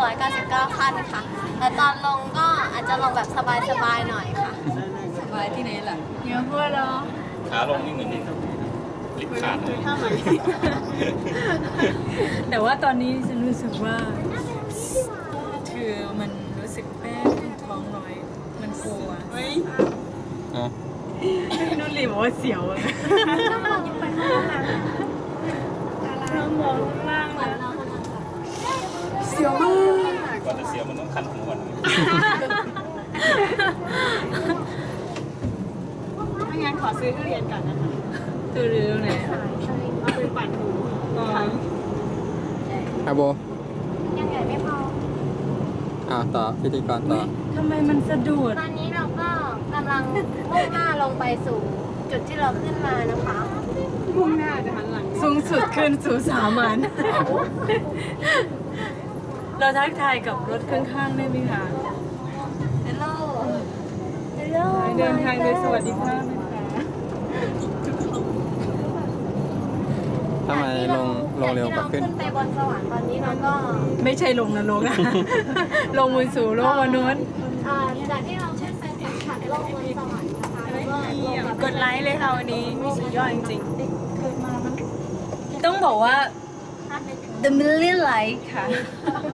999 ขั้นค่ะ แต่ตอนลงก็อาจจะลงแบบสบายๆหน่อยค่ะสบายที่ไหนล่ะเยอะพูดแล้วขาลงนี่เหมือนลิฟต์ขาดเลยแต่ว่าตอนนี้ฉันรู้สึกว่าคือมันรู้สึกแป้งท้องน้อย มันกลัวอ่ะนุ่นรีบอกว่าเสียวอะเรามองข้างล่างแล้วเสียวมากก่อนจะเสียวมันต้องคันหัวไม่งั้นขอซื้อทุเรียนก่อนนะคะตัวเรือไหนเอาไปปั่นหูอาโบยังไงไม่พอต่อพิธีกรต่อทำไมมันสะดุดตอนนี้เราก็กำลังมุ่งหน้าลงไปสู่จุดที่เราขึ้นมานะคะมุ่งหน้าจะหันหลังสูงสุดขึ้นสู่สามัญเราทักทายกับรถข้างๆได้ไหมคะ Hello Hello เดินทางโดยสวัสดิภาพนะคะทำไมลงเร็วกว่าขึ้นขึ้นไปบนสวรรค์ตอนนี้เราก็ไม่ใช่ลงนรกอะ ลงมือสู่โลกมนุษย์จากที่เราขึ้นไปสัมผัสโลกบนสวรรค์นะคะแล้วก็ลงมากดไลค์เลยค่ะวันนี้มีสุดยอดจริงๆ ต้องบอกว่า The Million Like ค่ะ